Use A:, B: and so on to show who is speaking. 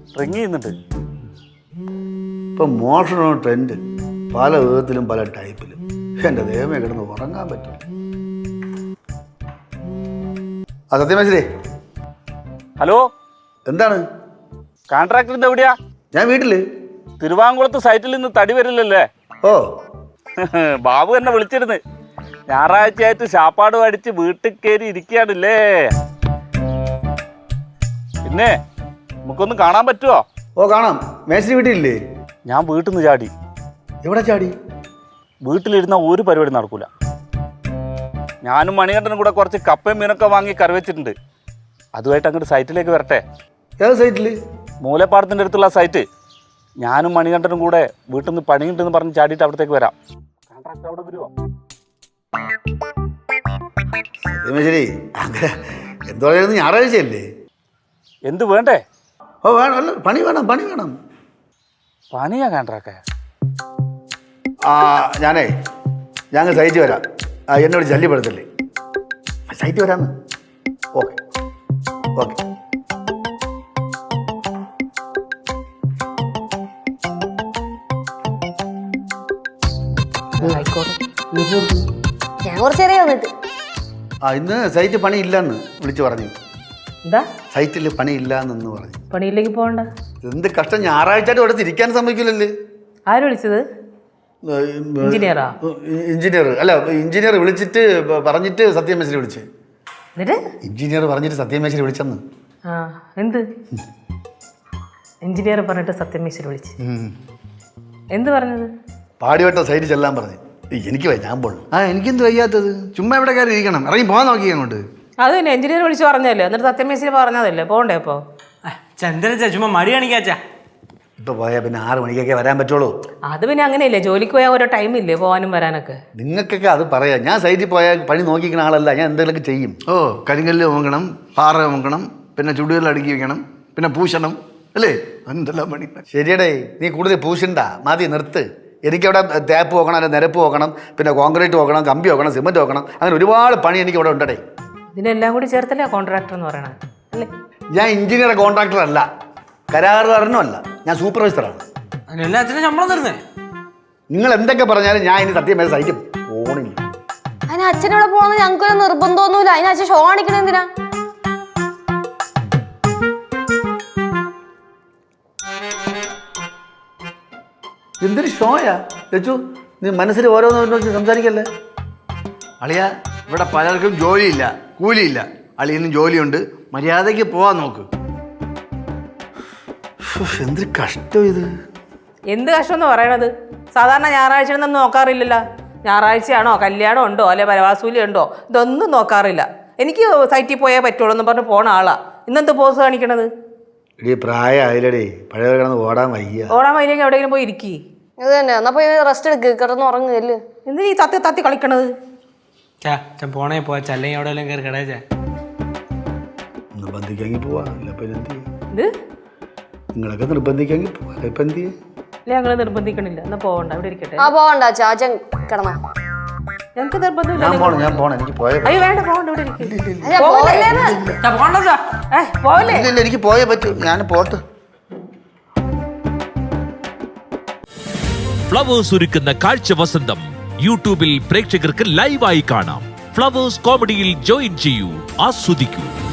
A: Ring ചെയ്യുന്നുണ്ട്.
B: ഇപ്പം മോഷണോ trend, പല വിധത്തിലും പല ടൈപ്പിലും. എൻ്റെ ദൈവമേ, കിടന്ന് ഉറങ്ങാൻ പറ്റും. ആ സത്യമേശ്വരേ,
A: ഹലോ,
B: എന്താണ്?
A: കോൺട്രാക്ടറിന്റെ എവിടെയാ?
B: ഞാൻ വീട്ടില്.
A: തിരുവാങ്കുളത്ത് സൈറ്റിൽ നിന്ന് തടി വരില്ലല്ലേ?
B: ഓ,
A: ബാബു എന്നെ വിളിച്ചിരുന്നു. ഞായറാഴ്ചയായിട്ട് ശാപ്പാട് അടിച്ച് വീട്ടിൽ കയറി ഇരിക്കുകയാണല്ലേ. പിന്നെ നമുക്കൊന്ന് കാണാൻ പറ്റുമോ?
B: ഓ കാണാം. മേശ്ശേരി വീട്ടിലില്ലേ?
A: ഞാൻ വീട്ടിൽ നിന്ന് ചാടി.
B: എവിടെ ചാടി?
A: വീട്ടിലിരുന്ന ഒരു പരിപാടി നടക്കൂല. ഞാനും മണികണ്ഠനും കൂടെ കുറച്ച് കപ്പയും മീനൊക്കെ വാങ്ങി കറി വെച്ചിട്ടുണ്ട്. അതുമായിട്ട് അങ്ങോട്ട് സൈറ്റിലേക്ക് വരട്ടെ.
B: ഏത് സൈറ്റില്?
A: മൂലപ്പാടത്തിൻ്റെ അടുത്തുള്ള സൈറ്റ്. ഞാനും മണികണ്ഠനും കൂടെ വീട്ടിൽ നിന്ന് പണിയുണ്ടെന്ന് പറഞ്ഞ് ചാടിയിട്ട് അവിടത്തേക്ക് വരാം. കോൺട്രാക്ട് അവിടെ വരുമോ?
B: സത്യമേശ്വരി, അങ്ങനെ എന്ത് പറയുന്നത്? ഞായറാഴ്ചയല്ലേ?
A: എന്ത് വേണ്ടേ?
B: ഓ വേണം, അല്ല പണി വേണം, പണി വേണം.
A: പണിയാ കോൺട്രാക്ടേ?
B: ഞാനേ ഞങ്ങൾ സൈറ്റ് വരാം. എന്നോട് ശല്യപ്പെടുത്തല്ലേ, സൈറ്റ് വരാന്ന്. Okay okay.
C: ഞാൻ കുറച്ചേറെ വന്നിട്ട്.
B: ഇന്ന് സൈറ്റ് പണി ഇല്ലെന്ന് വിളിച്ചു പറഞ്ഞു.
C: എന്താ
B: സൈറ്റിൽ പണി ഇല്ലാന്ന് പറഞ്ഞു.
C: പണിയിലേക്ക് പോകണ്ട.
B: എന്ത് കഷ്ടം, ഞായറാഴ്ചയായിട്ട് ഇവിടെ തിരിക്കാൻ സമ്മതിക്കില്ലല്ലേ.
C: ആര് വിളിച്ചത്? എഞ്ചിനീയറാ?
B: എഞ്ചിനീയർ അല്ല, എഞ്ചിനീയർ വിളിച്ചിട്ട് പറഞ്ഞിട്ട് സത്യമേശ്വരി വിളിച്ച്.
C: എന്നിട്ട്
B: എഞ്ചിനീയർ പറഞ്ഞിട്ട് സത്യമേശ്വരി വിളിച്ചെന്ന്.
C: എന്ത് എഞ്ചിനീയർ പറഞ്ഞിട്ട് സത്യമേശ്വരി വിളിച്ച്? എന്ത് പറഞ്ഞത്?
B: പാടിവട്ട സൈറ്റ് ചെല്ലാൻ പറഞ്ഞു. എനിക്ക് വയ്യ, ഞാൻ പോണു.
D: എനിക്കെന്ത് വയ്യാത്തത്? ചുമ്മാ ഇവിടെ കയറി ഇരിക്കണം, ഇറങ്ങി പോകാൻ നോക്കി അങ്ങോട്ട്.
C: അത് തന്നെ എഞ്ചിനീയർ വിളിച്ച് പറഞ്ഞല്ലേ, എന്നിട്ട് സത്യമേശ്വരി പറഞ്ഞതല്ലേ പോണ്ടേ? അപ്പോ
E: ചന്ദ്രച്ച ചുമ്മാ മടി കാണിക്കാച്ചാ.
B: ഇപ്പൊ പോയാൽ പിന്നെ 6 മണിക്കൊക്കെ വരാൻ പറ്റുള്ളൂ.
C: അത് പിന്നെ അങ്ങനെയല്ലേ, ജോലിക്ക് പോയാൽ ഓരോ ടൈമില്ലേ പോകാനും വരാനൊക്കെ.
B: നിങ്ങൾക്കൊക്കെ അത് പറയാം. ഞാൻ സൈറ്റിൽ പോയാൽ പണി നോക്കിക്കുന്ന ആളല്ല, ഞാൻ എന്തെങ്കിലുമൊക്കെ ചെയ്യും.
D: ഓ, കരിങ്കല്ല് നോക്കണം, പാറ നോക്കണം, പിന്നെ ചുടുകല്ല് അടുക്കി വെക്കണം, പിന്നെ പൂശണം, അല്ലേ? എന്തെല്ലാം പണി.
B: ശരിയടേ, നീ കൂടുതൽ പൂശണ്ട, മതി, നിർത്ത്. എനിക്കവിടെ തേപ്പ് നോക്കണം, അല്ലെ നിരപ്പ് നോക്കണം, പിന്നെ കോൺക്രീറ്റ് നോക്കണം, കമ്പി നോക്കണം, സിമെന്റ് നോക്കണം, അങ്ങനെ ഒരുപാട് പണി എനിക്ക് ഇവിടെ ഉണ്ടടേ.
C: ഇതിനെല്ലാം കൂടി ചേർത്തല്ലേ കോൺട്രാക്ടർ എന്ന് പറയണത് അല്ലേ?
B: ഞാൻ എഞ്ചിനീയർ കോൺട്രാക്ടർ അല്ല, കരാറുകാരനും അല്ല, ഞാൻ സൂപ്പർവൈസറാണ്.
E: എല്ലാത്തിനും ശമ്പളം തരുന്നേ.
B: നിങ്ങൾ എന്തൊക്കെ പറഞ്ഞാലും ഞാൻ ഇനി സത്യം സൈറ്റ് പോണില്ല.
F: അതിന് അച്ഛനോടെ പോകണമെന്ന് ഞങ്ങൾക്കൊരു നിർബന്ധമൊന്നുമില്ല. അതിന് അച്ഛൻ ഷോ കാണിക്കണ എന്തിനാ?
B: എന്തൊരു ഷോയാ ലച്ചു, നീ മനസ്സിൽ ഓരോന്ന് സംസാരിക്കല്ലേ.
D: അളിയ, ഇവിടെ പലർക്കും ജോലിയില്ല, കൂലിയില്ല. അളിയനും ജോലിയുണ്ട്, മര്യാദയ്ക്ക് പോവാൻ നോക്ക്.
B: എന്തൊരു കഷ്ടം ഇത്.
C: എന്ത് കഷ്ടം എന്ന് പറയണത്? സാധാരണ ഞായറാഴ്ച ഒന്നും നോക്കാറില്ലല്ലോ. ഞായറാഴ്ചയാണോ, കല്യാണം ഉണ്ടോ, അല്ലെ പരവാസൂലി ഉണ്ടോ, ഇതൊന്നും നോക്കാറില്ല. എനിക്ക് സൈറ്റിൽ പോയാൽ പറ്റുള്ളൂ എന്ന് പറഞ്ഞ് പോണ ആളാ. ഇന്നെന്ത് പോസ് കാണിക്കണത്?
B: ഇടീ പ്രായമായില്ലടേ, പഴയ കിടന്ന് ഓടാൻ വയ്യ.
C: ഓടാൻ വയ്യെങ്കിൽ എവിടെയെങ്കിലും പോയി ഇരിക്കി.
F: ഇത് തന്നെ, എന്നാ പോയി റെസ്റ്റ് എടുക്ക്, കിടന്ന് ഉറങ്ങുകയല്ലേ.
C: എന്തിനാ ഈ തത്തി തത്തി കളിക്കണത്?
E: പോണേ പോവാ, അല്ലെങ്കിൽ അവിടെ വല്ലതും കയറി കിടച്ചാ.
B: നിർബന്ധിക്കാമെങ്കിൽ പോവാ, ഇല്ല ഇപ്പം എന്ത് ചെയ്യും?
C: ഇത്
B: നിങ്ങളൊക്കെ നിർബന്ധിക്കാമെങ്കിൽ പോവാ, ഇപ്പം എന്ത് ചെയ്യും?
C: അല്ലെ ഞങ്ങള് നിർബന്ധിക്കണില്ല, എന്നാ പോവണ്ട, ഇവിടെ ഇരിക്കട്ടെ.
F: പോവണ്ട അച്ഛാ, അച്ഛൻ കിടന്ന.
C: ഞങ്ങക്ക് നിർബന്ധമില്ല.
B: ഞാൻ പോണം, എനിക്ക് പോയ.
C: അയ്യോ വേണ്ട, പോവണ്ട, ഇവിടെ ഇരിക്കും. പോവല്ലേ?
B: ഇല്ല, എനിക്ക് പോയേ പറ്റൂ, ഞാൻ പോട്ട്.
G: ഫ്ലവേഴ്സ് ഒരുക്കുന്ന കാഴ്ച വസന്തം യൂട്യൂബിൽ പ്രേക്ഷകർക്ക് ലൈവായി കാണാം. ഫ്ലവേഴ്സ് കോമഡിയിൽ ജോയിൻ ചെയ്യൂ, ആസ്വദിക്കൂ.